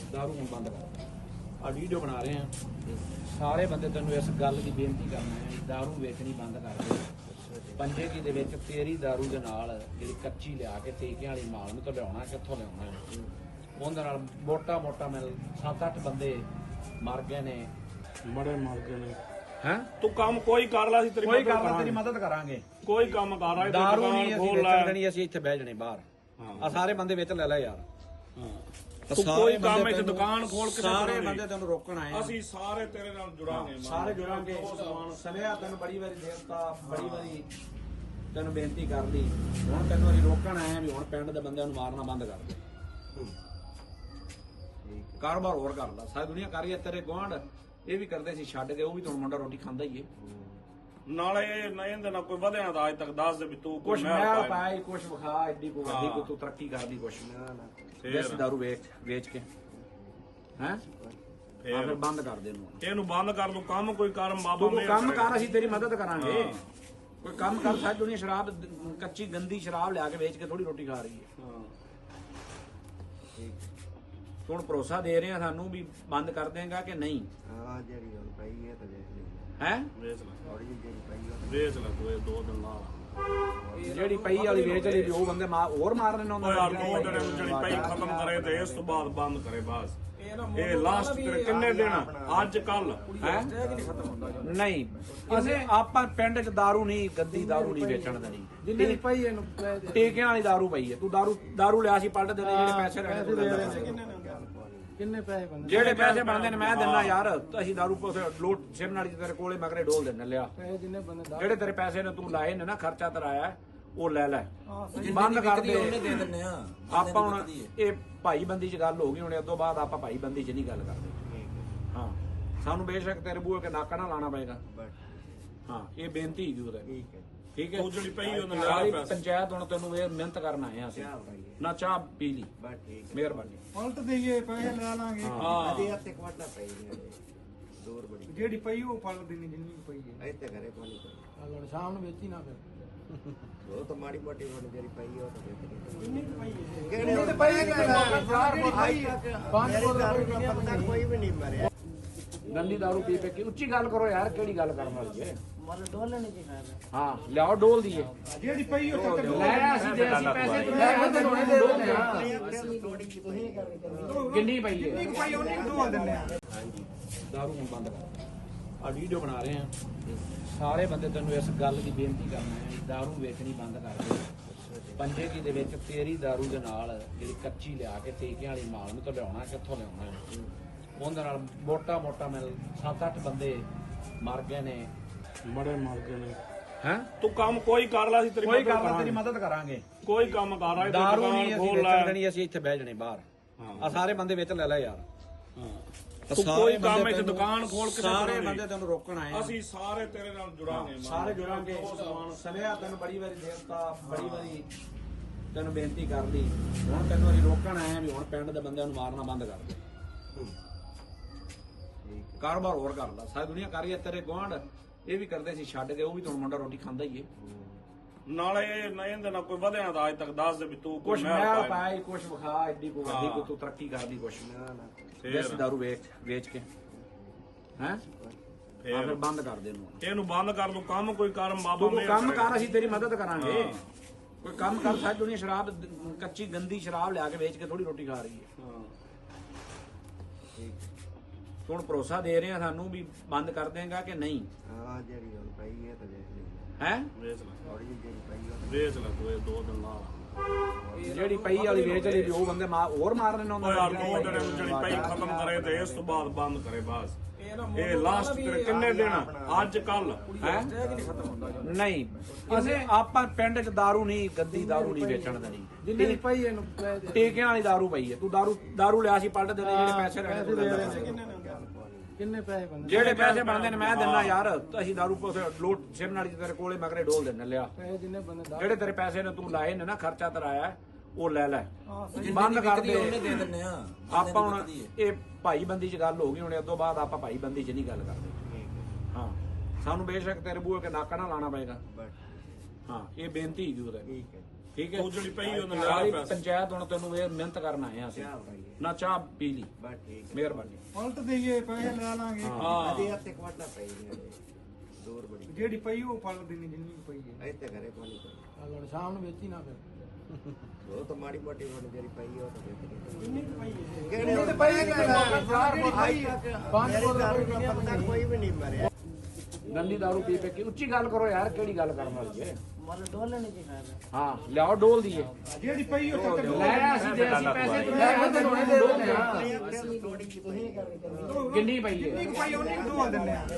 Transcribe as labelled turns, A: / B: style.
A: दारू ਹੁਣ ਬੰਦ ਕਰ। ਆ ਵੀਡੀਓ ਬਣਾ ਰਹੇ ਆ ਸਾਰੇ ਬੰਦੇ ਤੈਨੂੰ ਇਸ ਗੱਲ ਦੀ ਬੇਨਤੀ ਕਰਨਾ ਹੈ दारू ਵੇਚਣੀ ਬੰਦ ਕਰ ਦੇ। ਪੰਜੇ ਕੀ ਦੇ ਵਿੱਚ ਤੇਰੀ दारू ਦੇ ਨਾਲ ਜਿਹੜੀ ਕੱਚੀ ਲਿਆ ਕੇ ਟੀਕਿਆਂ ਵਾਲੀ ਮਾਲ ਨੂੰ ਤੋਂ ਲਿਆਉਣਾ ਕਿੱਥੋਂ ਲਿਆਉਣਾ ਉਹਦੇ ਨਾਲ ਮੋਟਾ ਮਿਲ 7-8 ਬੰਦੇ ਮਰ ਗਏ ਨੇ
B: ਬੜੇ ਮਰ ਗਏ ਨੇ।
A: ਹੈ
B: ਤੂੰ ਕੰਮ ਕੋਈ ਕਰ ਲੈ, ਅਸੀਂ
A: ਤੇਰੀ ਮਦਦ ਕਰਾਂਗੇ।
B: ਕੋਈ ਕੰਮ ਕਰ ਰਿਹਾ
A: दारू ਨਹੀਂ ਅਸੀਂ ਵੇਚਣ ਦੇਣੀ, ਅਸੀਂ ਇੱਥੇ ਬਹਿ ਜਣੇ ਬਾਹਰ। ਆ ਸਾਰੇ ਬੰਦੇ ਵਿੱਚ ਲੈ ਲੈ ਯਾਰ।
B: ਤੂੰ ਕੋਈ ਕੰਮ ਇੱਥੇ ਦੁਕਾਨ ਖੋਲ ਕੇ
A: ਸਾਰੇ ਬੰਦੇ ਤੈਨੂੰ ਰੋਕਣ ਆਏ ਆ।
B: ਅਸੀਂ ਸਾਰੇ ਤੇਰੇ ਨਾਲ ਜੁੜਾਂਗੇ,
A: ਸਾਰੇ ਜੁੜਾਂਗੇ। ਸਨੇਹਾ ਤੈਨੂੰ ਬੜੀ ਵਾਰੀ ਦੇਵਤਾ ਬੜੀ ਵਾਰੀ ਤੈਨੂੰ ਬੇਨਤੀ ਕਰ ਲਈ। ਹੁਣ ਤੈਨੂੰ ਅਸੀਂ ਰੋਕਣ ਆਏ ਆ ਵੀ ਹੁਣ ਪਿੰਡ ਦੇ ਬੰਦਿਆਂ ਨੂੰ ਮਾਰਨਾ ਬੰਦ ਕਰ ਦੇ। ਕਾਰੋਬਾਰ ਹੋਰ ਕਰ ਲਾ, ਸਾਰੀ ਦੁਨੀਆ ਕਰ ਰਹੀ ਹੈ। ਤੇਰੇ ਗੁਆਂਢ ਇਹ ਵੀ ਕਰਦੇ ਸੀ ਛੱਡ ਕੇ, ਉਹ ਵੀ ਤੁਹਾਨੂੰ ਮੁੰਡਾ ਰੋਟੀ ਖਾਂਦਾ ਹੀ ਏ।
B: ਨਾਲੇ ਇਹਦੇ ਨਾਲ ਕੋਈ ਵਧਿਆ ਦਾ ਅੱਜ ਤੱਕ ਦੱਸ ਦੇ ਵੀ ਤੂੰ
A: ਕੁਛ ਮੈਂ ਪਾਈ ਕੁਛ ਵਿਖਾ ਐਡੀ ਕੋ ਵੱਡੀ ਕੋ ਤੂੰ ਤਰੱਕੀ ਕਰਦੀ ਕੁਛ ਦੇਸੀ ਦਾਰੂ ਵੇਚ ਕੇ ਹੈ ਫਿਰ ਬੰਦ ਕਰ ਦੇ
B: ਇਹਨੂੰ ਬੰਦ ਕਰ ਦੂੰ। ਕੰਮ ਕੋਈ ਕਰ ਬਾਬਾ
A: ਤੂੰ ਕੰਮ ਕਰ, ਅਸੀਂ ਤੇਰੀ ਮਦਦ ਕਰਾਂਗੇ। ਕੋਈ ਕੰਮ ਕਰ। ਸਾਰੀ ਦੁਨੀਆ ਸ਼ਰਾਬ ਕੱਚੀ ਗੰਦੀ ਸ਼ਰਾਬ ਲਿਆ ਕੇ ਵੇਚ ਕੇ ਥੋੜੀ ਰੋਟੀ ਖਾ ਰਹੀ ਹੈ। ਤੂੰ ਹੁਣ ਭਰੋਸਾ ਦੇ ਰਹੇ ਆ ਸਾਨੂੰ ਵੀ ਬੰਦ ਕਰ ਦੇਗਾ ਕਿ ਨਹੀਂ?
C: ਹਾਂ ਜਿਹੜੀ ਹੁਣ ਪਈ ਹੈ ਤਾਂ ਵੇਚ ਲਈ
A: ਹੈ।
B: ਵੇਚ ਲੈ
C: ਥੋੜੀ ਜਿਹੀ ਜਿਹੜੀ ਪਈ ਹੈ
B: ਵੇਚ ਲੈ ਤੂੰ, ਇਹ 2 ਦਿਨ ਨਾਲ
A: ਜਿਹੜੀ ਪਈ ਵਾਲੀ ਵੇਚ ਲਈ ਵੀ ਉਹ ਬੰਦੇ ਹੋਰ ਮਾਰਨੇ ਨੇ
B: ਉਹ ਯਾਰ 2 ਦਿਨ ਜਿਹੜੀ ਪਈ ਖਤਮ ਕਰੇ ਤੇ ਇਸ ਤੋਂ ਬਾਅਦ ਬੰਦ ਕਰੇ ਬਸ। ਇਹ ਲਾਸਟ ਤੇਰੇ ਕਿੰਨੇ ਦਿਨ ਅੱਜ ਕੱਲ
A: ਹੈ ਨਹੀਂ। ਅਸੀਂ ਆਪਾਂ ਪਿੰਡ 'ਚ दारू ਨਹੀਂ ਗੰਦੀ दारू ਨਹੀਂ ਵੇਚਣ ਦੇਣੀ। ਜਿੰਨੀ ਪਈ ਇਹਨੂੰ ਟੀਕਿਆਂ ਵਾਲੀ दारू ਪਈ ਹੈ। ਤੂੰ दारू ਲਿਆ ਸੀ ਪਲਟ ਦੇ ਜਿਹੜੇ ਪੈਸੇ ਰਹਿਣੇ
C: ਕਿੰਨੇ ਪੈਸੇ ਬੰਦੇ
A: ਜਿਹੜੇ ਪੈਸੇ ਬਣਦੇ ਨੇ ਮੈਂ ਦਿੰਦਾ ਯਾਰ। ਅਸੀਂ दारू ਲੋਟ ਸਿਮ ਨਾਲ ਤੇਰੇ ਕੋਲੇ ਮਗਰੇ ਡੋਲ ਦਿੰਨੇ ਲਿਆ।
C: ਜਿੰਨੇ ਬੰਦੇ
A: ਜਿਹੜੇ ਤੇਰੇ ਪੈਸੇ ਨੇ ਤੂੰ ਲਾਏ ਨੇ ਨਾ ਖਰਚਾ ਤੇਰਾਇਆ ਉਹ ਲੈ ਲੈ ਬੰਦ ਕਰ ਦੇ।
D: ਉਹਨੇ ਦੇ ਦਿੰਨੇ ਆ
A: ਆਪਾਂ ਹੁਣ ਇਹ ਭਾਈ ਬੰਦੀ 'ਚ ਗੱਲ ਹੋ ਗਈ। ਹੁਣ ਇਦੋਂ ਬਾਅਦ ਆਪਾਂ ਭਾਈ ਬੰਦੀ 'ਚ ਨਹੀਂ ਗੱਲ ਕਰਦੇ। ਹਾਂ ਸਾਨੂੰ ਬੇਸ਼ੱਕ ਤੇਰੇ ਬੂਹੇ ਕੇ ਨਾਕਾ ਨਾ ਲਾਣਾ ਪਏਗਾ। ਹਾਂ ਇਹ ਬੇਨਤੀ ਹੈਗੀ ਉਹਦਾ। ਠੀਕ ਹੈ
B: ਤੂੰ ਜਿਹੜੀ ਪਈ ਉਹਨੇ
A: ਸਾਰੀ
B: ਲਿਆ ਪੈਸੇ।
A: ਪੰਚਾਇਤ ਹੁਣ ਤੈਨੂੰ ਇਹ ਮਿਹਨਤ ਕਰਨ ਆਏ ਆ ਅਸੀਂ ਨਾ ਚਾਹ ਪੀ ਲਈ। ਮਿਹਰਬਾਨੀ।
C: ਪਲਟ ਦੇਈਏ ਪੈਸੇ ਲੈ ਲਾਂਗੇ।
A: ਹਾਂ
C: ਅਜੇ ਹੱਥੇ ਕਵਟਾ ਪਈ ਨਹੀਂ ਦੂਰ ਬੜੀ ਜਿਹੜੀ ਪਈ ਉਹ ਪਲਟ ਦੇਣੀ ਜਿੰਨੀ ਪਈ ਹੈ ਇੱਥੇ ਘਰੇ ਪਾਣੀ ਪਈ ਸ਼ਾਮ ਨੂੰ ਵੇਚੀ ਨਾ ਫਿਰ ਉਹ ਤਾਂ ਮਾੜੀ ਮੋਟੀ ਹੁਣ ਜਿਹੜੀ ਪਈ ਉਹ ਤਾਂ ਵੇਚ ਕਿੰਨੀ ਪਈ ਹੈ ਕਿਹੜੇ ਪਈ ਹੈ ਕੋਈ ਵੀ ਨਹੀਂ ਮਰਿਆ।
A: ਗੰਦੀ दारू ਪੀ ਕੇ ਉੱਚੀ ਗੱਲ ਕਰੋ ਯਾਰ। ਕਿਹੜੀ ਗੱਲ ਕਰਨ ਵਾਲੀ ਹੈ?
C: ਮਨ ਡੋਲਣ ਕੀ ਫਾਇਦਾ।
A: ਹਾਂ ਲਿਆਓ ਡੋਲ ਦੀਏ।
C: ਜਿਹੜੀ ਪਈ ਉਹ ਤਾਂ
A: ਲੈ ਅਸੀਂ ਦੇ ਅਸੀਂ ਪੈਸੇ ਤੂੰ ਲੈ ਕੇ ਤੈਨੂੰ ਦੇ ਦਿੰਦੇ ਆ। ਕਿੰਨੀ ਪਈ ਹੈ?
C: ਇੱਕ ਪਈ ਉਹਨੇ ਡੋਲ ਦਿੰਦੇ ਆ।
A: ਹਾਂਜੀ दारू ਹੁਣ ਬੰਦ ਕਰ। ਆ ਵੀਡੀਓ ਬਣਾ ਰਹੇ ਆ ਸਾਰੇ ਬੰਦੇ ਤੈਨੂੰ ਇਸ ਗੱਲ ਦੀ ਬੇਨਤੀ ਕਰਨਾ ਹੈ दारू ਵੇਚਣੀ ਬੰਦ ਕਰ ਦੇ। ਪੰਜੇ ਕੀ ਦੇ ਵਿੱਚ ਤੇਰੀ दारू ਦੇ ਨਾਲ ਜਿਹੜੀ ਕੱਚੀ ਲਿਆ ਕੇ ਟੀਕਿਆਂ ਵਾਲੀ ਮਾਲ ਨੂੰ ਤੋਂ ਲਿਆਉਣਾ ਕਿੱਥੋਂ ਲਿਆਉਣਾ ਉਹਦੇ ਨਾਲ ਮੋਟਾ ਮਿਲ 7-8 ਬੰਦੇ ਮਰ ਗਏ ਨੇ।
B: ਬੜੇ ਮਰ ਗਏ ਨੇ।
A: ਹੈ
B: ਤੂੰ ਕੰਮ ਕੋਈ ਕਰ ਲੈ, ਅਸੀਂ
A: ਤੇਰੀ ਮਦਦ ਕਰਾਂਗੇ।
B: ਕੋਈ ਕੰਮ ਕਰ ਰਿਹਾ
A: दारू ਨਹੀਂ ਅਸੀਂ ਵੇਚਣ ਦੇਣੀ, ਅਸੀਂ ਇੱਥੇ ਬਹਿ ਜਣੇ ਬਾਹਰ। ਆ ਸਾਰੇ ਬੰਦੇ ਵਿੱਚ ਲੈ ਲੈ ਯਾਰ।
B: ਤੂੰ ਕੋਈ ਕੰਮ ਇੱਥੇ ਦੁਕਾਨ ਖੋਲ ਕੇ
A: ਸਾਰੇ ਬੰਦੇ ਤੈਨੂੰ ਰੋਕਣ ਆਏ ਆ।
B: ਅਸੀਂ ਸਾਰੇ ਤੇਰੇ ਨਾਲ ਜੁੜਾਂਗੇ,
A: ਸਾਰੇ ਜੁੜਾਂਗੇ। ਸਨੇਹਾ ਤੈਨੂੰ ਬੜੀ ਵਾਰੀ ਦੇਵਤਾ ਬੜੀ ਵਾਰੀ ਤੈਨੂੰ ਬੇਨਤੀ ਕਰ ਲਈ। ਹੁਣ ਤੈਨੂੰ ਅਸੀਂ ਰੋਕਣ ਆਏ ਆ ਵੀ ਹੁਣ ਪਿੰਡ ਦੇ ਬੰਦਿਆਂ ਨੂੰ ਮਾਰਨਾ ਬੰਦ ਕਰ ਦੇ। ਕਾਰੋਬਾਰ ਹੋਰ ਕਰ ਲਾ, ਸਾਰੀ ਦੁਨੀਆ ਕਰ ਰਹੀ ਹੈ। ਤੇਰੇ ਗੁਆਂਢ ਇਹ ਵੀ ਕਰਦੇ ਸੀ ਛੱਡ ਕੇ, ਉਹ ਵੀ ਤੁਹਾਨੂੰ ਮੁੰਡਾ ਰੋਟੀ ਖਾਂਦਾ ਹੀ ਏ।
B: ਨਾਲੇ ਇਹਦੇ ਨਾਲ ਕੋਈ ਵਧਿਆ ਦਾ ਅੱਜ ਤੱਕ ਦੱਸ ਦੇ ਵੀ ਤੂੰ
A: ਕੁਛ ਮੈਂ ਪਾਈ ਕੁਛ ਵਿਖਾ ਐਡੀ ਕੋ ਵੱਡੀ ਕੋ ਤੂੰ ਤਰੱਕੀ ਕਰਦੀ ਕੁਛ ਦੇਸੀ दारू ਵੇਚ ਕੇ ਹੈ ਫਿਰ ਬੰਦ ਕਰ ਦੇ।
B: ਇਹਨੂੰ ਬੰਦ ਕਰ ਦੂੰ। ਕੰਮ ਕੋਈ ਕਰ ਬਾਬਾ
A: ਤੂੰ ਕੰਮ ਕਰ, ਅਸੀਂ ਤੇਰੀ ਮਦਦ ਕਰਾਂਗੇ। ਕੋਈ ਕੰਮ ਕਰ। ਸਾਰੀ ਦੁਨੀਆ ਸ਼ਰਾਬ ਕੱਚੀ ਗੰਦੀ ਸ਼ਰਾਬ ਲਿਆ ਕੇ ਵੇਚ ਕੇ ਥੋੜੀ ਰੋਟੀ ਖਾ ਰਹੀ ਹੈ। ਤੂੰ ਹੁਣ ਭਰੋਸਾ ਦੇ ਰਹੇ ਆ ਸਾਨੂੰ ਵੀ ਬੰਦ ਕਰ ਦੇਗਾ ਕਿ ਨਹੀਂ?
C: ਹਾਂ ਜਿਹੜੀ ਹੁਣ ਪਈ ਹੈ ਤਾਂ ਵੇਚ ਲਈ
A: ਹੈ
B: ਵੇਚ ਲੈ
C: ਥੋੜੀ ਜਿਹੀ ਜਿਹੜੀ ਪਈ ਉਹ
B: ਵੇਚ ਲੈ ਤੂੰ, ਇਹ 2 ਦਿਨ ਨਾਲ
A: ਜਿਹੜੀ ਪਈ ਵਾਲੀ ਵੇਚ ਲਈ ਵੀ ਉਹ ਬੰਦੇ ਹੋਰ ਮਾਰਨੇ ਨੇ।
B: ਉਹ ਯਾਰ 2 ਦਿਨ ਜਿਹੜੀ ਪਈ ਖਤਮ ਕਰੇ ਤੇ ਇਸ ਤੋਂ ਬਾਅਦ ਬੰਦ ਕਰੇ ਬਸ। ਇਹ ਲਾਸਟ ਤੇਰੇ ਕਿੰਨੇ ਦਿਨ ਅੱਜ ਕੱਲ
A: ਹੈ ਨਹੀਂ। ਅਸੀਂ ਆਪਾਂ ਪਿੰਡ 'ਚ दारू ਨਹੀਂ ਗੰਦੀ दारू ਨਹੀਂ ਵੇਚਣ ਦੇਣੀ।
C: ਜਿੰਨੀ ਪਈ ਇਹਨੂੰ
A: ਟੀਕਿਆਂ ਵਾਲੀ दारू ਪਈ ਹੈ। ਤੂੰ दारू ਲਿਆ ਸੀ ਪਲਟ ਦੇ ਜਿਹੜੇ ਪੈਸੇ ਰਹਿਣੇ
C: ਕਿੰਨੇ ਪੈਸੇ ਬੰਦੇ
A: ਜਿਹੜੇ ਪੈਸੇ ਬਣਦੇ ਨੇ ਮੈਂ ਦਿੰਦਾ ਯਾਰ। ਅਸੀਂ दारू ਲੋਟ ਸਿਮ ਨਾਲ ਤੇਰੇ ਕੋਲੇ ਮਗਰੇ ਡੋਲ ਦਿੰਨੇ ਲਿਆ।
C: ਜਿੰਨੇ ਬੰਦੇ
A: ਜਿਹੜੇ ਤੇਰੇ ਪੈਸੇ ਨੇ ਤੂੰ ਲਾਏ ਨੇ ਨਾ ਖਰਚਾ ਤੇਰਾਇਆ ਉਹ ਲੈ ਲੈ ਬੰਦ ਕਰ ਦੇ।
D: ਉਹਨੇ ਦੇ ਦਿੰਨੇ ਆ
A: ਆਪਾਂ ਹੁਣ ਇਹ ਭਾਈ ਬੰਦੀ 'ਚ ਗੱਲ ਹੋ ਗਈ। ਹੁਣ ਇਦੋਂ ਬਾਅਦ ਆਪਾਂ ਭਾਈ ਬੰਦੀ 'ਚ ਨਹੀਂ ਗੱਲ ਕਰਦੇ। ਹਾਂ ਸਾਨੂੰ ਬੇਸ਼ੱਕ ਤੇਰੇ ਬੂਹੇ ਕੇ ਨਾਕਾ ਨਾ ਲਾਣਾ ਪਏਗਾ। ਹਾਂ ਇਹ ਬੇਨਤੀ ਹੈਗੀ ਉਹਦਾ। ਠੀਕ ਹੈ
B: ਤੂੰ ਜਿਹੜੀ ਪਈ ਉਹਨੇ
A: ਸਾਰੀ
B: ਲਿਆ ਪੈਸੇ
A: ਪੰਚਾਇਤ ਹੁਣ ਤੈਨੂੰ ਇਹ ਮਿਹਨਤ ਕਰਨ ਆਏ ਆ ਅਸੀਂ ਨਾ ਚਾਹ ਪੀ ਲਈ
C: ਬਸ ਠੀਕ
A: ਮਿਹਰਬਾਨੀ
D: ਪਲਟ ਦੇਈਏ ਪੈਸੇ ਲੈ ਲਾਂਗੇ
B: ਹਾਂ
C: ਅਜੇ ਹੱਥੇ ਕਵਾਟਾ ਪਈ ਨੇ ਦੂਰ ਬੜੀ
D: ਜਿਹੜੀ ਪਈ ਉਹ ਪਲਟ ਦੇਣੀ ਜਿੰਨੀ ਕੁ ਪਈ ਹੈ
C: ਇੱਥੇ ਘਰੇ ਪਾਣੀ ਪਈ
D: ਹੁਣ ਸ਼ਾਮ ਨੂੰ ਵੇਚੀ ਨਾ ਫਿਰ
C: ਉਹ ਤਾਂ ਮਾੜੀ ਮੋਟੀ ਹੁਣ ਜਿਹੜੀ ਪਈ ਉਹ ਤਾਂ ਵੇਚ
D: ਜਿੰਨੀ ਕੁ ਪਈ ਹੈ
C: ਕਿਹੜੇ
D: ਜਿੰਨੀ ਕੁ ਪਈ ਹੈ ਜਿਹੜੀ ਪਈ ਹੈ ਪੰਜ
C: ਮੇਰੀ
D: ਬੋਤਲ
C: ਦਾਰੂ ਦਾ ਬੰਦਾ ਕੋਈ ਵੀ ਨਹੀਂ ਮਰਿਆ
A: ਗੰਦੀ ਦਾਰੂ ਪੀ ਕੇ ਉੱਚੀ ਗੱਲ ਕਰੋ ਯਾਰ ਕਿਹੜੀ ਗੱਲ ਕਰਨ ਵਾਲੀ ਹੈ
D: ਮਨ ਡੋਲਣ ਕੀ ਫਾਇਦਾ
A: ਹਾਂ ਲਿਆਓ ਡੋਲ ਦਈਏ
D: ਜਿਹੜੀ ਪਈ ਉਹ ਚੱਕ
A: ਲੈ ਅਸੀਂ ਜੇ ਅਸੀਂ ਪੈਸੇ ਲੈ ਕੇ ਤੈਨੂੰ ਹੁਣੇ ਦੇ ਦਿੰਦੇ ਆ ਕਿੰਨੀ ਪਈ ਹੈ
D: ਜਿੰਨੀ ਕੁ ਪਈ ਉਹਨੀ ਕੁ ਢੋਲ ਦਿੰਦੇ ਆ